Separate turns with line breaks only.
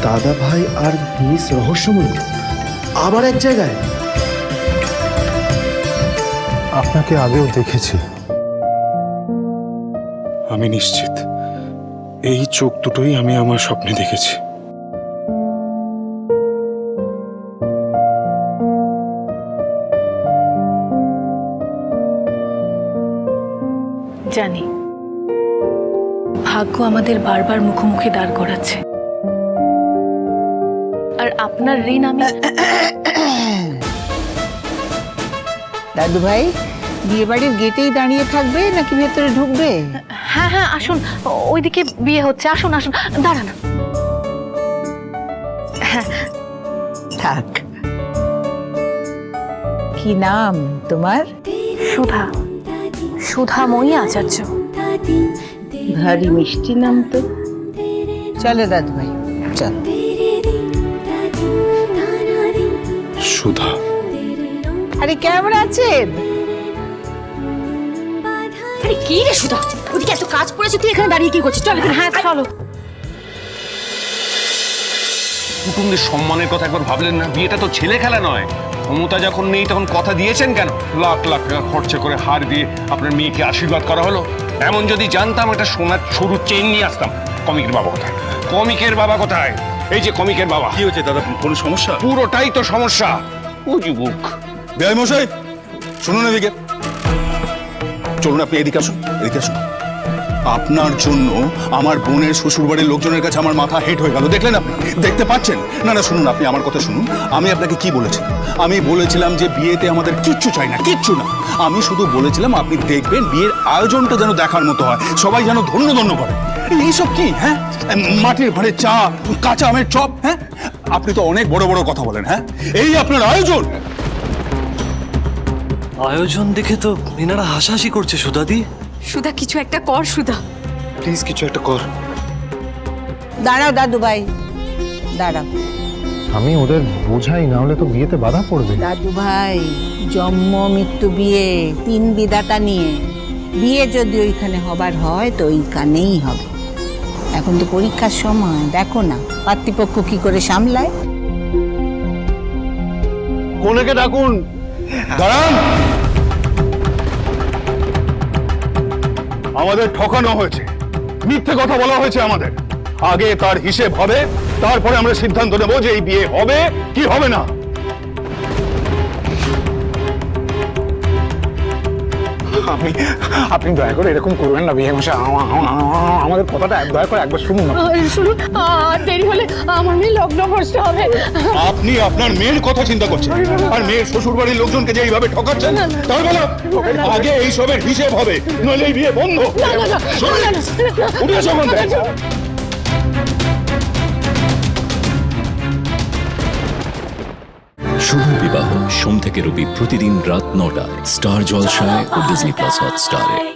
দাদা ভাই আর মিস রহস্যময়ী আবার এক জায়গায়।
আপনাকে আগেও দেখেছি।
আমি নিশ্চিত এই চোখ দুটোই আমি আমার স্বপ্নে দেখেছি।
জানি ভাগ্য আমাদের বারবার মুখোমুখি দাঁড় করাচ্ছে, আর আপনার ঋণ আমি।
দাদু ভাই বিয়ে বাড়ির গেটেই দাঁড়িয়ে থাকবে নাকি ভেতরে ঢুকবে?
হ্যাঁ হ্যাঁ আসুন, ওইদিকে বিয়ে হচ্ছে, আসুন আসুন। দাঁড়ান। হ্যাঁ
থাক। কি নাম তোমার?
সুধা, সুধাময়ী আচার্য।
ভারী মিষ্টি নাম তো। চলো দাদু ভাই চল।
সুধা,
আরে কেমন আছেন?
আরে কি রে সুধা, ওদিকে এত কাজ পড়েছে, তুই এখানে দাঁড়িয়ে কি করছিস? চল এখানে।
হ্যাঁ চলো।
কুটুমদের সম্মানের কথা একবার ভাবলেন না? বিয়েটা তো ছেলে খেলা নয়। ক্ষমতা যখন নেই তখন কথা দিয়েছেন কেন? লাখ লাখ টাকা খরচা করে হার দিয়ে আপনার মেয়েকে আশীর্বাদ করা হলো। এমন যদি জানতাম একটা সোনার সরু চেইন নিয়ে আসতাম। কমিকের বাবা কোথায়? কমিকের বাবা কোথায়? এই যে কমিকের বাবা।
কি হয়েছে দাদা, কোনো সমস্যা?
পুরোটাই তো সমস্যা। ও যুবক।
বেআই মশাই শুনুন, এদিকে চলুন, আপনি এদিকে আসুন, এদিকে আসুন। আপনার জন্য আমার বোনের শ্বশুরবাড়ির লোকজনের কাছে আমার মাথা হেট হয়ে গেল, দেখলেন আপনি? দেখতে পাচ্ছেন না? না শুনুন, আপনি আমার কথা শুনুন। আমি আপনাকে কি বলেছিলাম? আমি বলেছিলাম যে বিয়েতে আমাদের কিচ্ছু চাই না, কিচ্ছু না। আমি শুধু বলেছিলাম আপনি দেখবেন বিয়ের আয়োজনটা যেন দেখার মতো হয়, সবাই যেন ধন্য ধন্য করে। এইসব কি? হ্যাঁ, মাটির ঘরে চা, কাঁচা আমের চপ। হ্যাঁ, আপনি তো অনেক বড় বড় কথা বলেন। হ্যাঁ, এই আপনার আয়োজন?
আয়োজন দেখে তো এনারা হাসাহাসি করছে। সুধাদি,
সুধা কিছু একটা কর সুধা।
প্লিজ কিছু একটা কর।
দাঁড়াও দাদু ভাই দাঁড়াও।
আমি ওদের বোঝাই, না হলে তো বিয়েতে বাধা পড়বে।
দাদু ভাই জন্ম মৃত্যু বিয়ে, তিন বিধাতা নিয়ে বিয়ে যদি ওইখানে হবার হয় তো ওইখানেই হবে। এখন তো পরীক্ষার সময়, দেখো না পাত্রীপক্ষ কি করে সামলায়।
কোনেকে ডাকুন। দাঁড়ান। আমাদের ঠকানো হয়েছে, মিথ্যে কথা বলা হয়েছে আমাদের। আগে তার হিসেব হবে, তারপরে আমরা সিদ্ধান্ত নেব যে এই বিয়ে হবে কি হবে না।
আপনি দয়া করে এরকম করবেন না বিয়ে মশাই। আমাদের কথাটা দয়া করে একবার শুনুন না।
শুনুন, দেরি হলে আমার মেয়ে লগ্ন ভ্রষ্ট হবে।
আপনি আপনার মেয়ের কথা চিন্তা করছেন আর মেয়ের শ্বশুর বাড়ির লোকজনকে যে এইভাবে ঠকাচ্ছেন, তাই বলো আগে এইসবের হিসেব হবে, নইলে এই বিয়ে বন্ধ। উঠে এসো বন্ধ।
শুভ বিবাহ সোম থেকে রবি প্রতিদিন রাত ৯টায় স্টার জলসায় ও ডিজনি প্লাস হটস্টারে।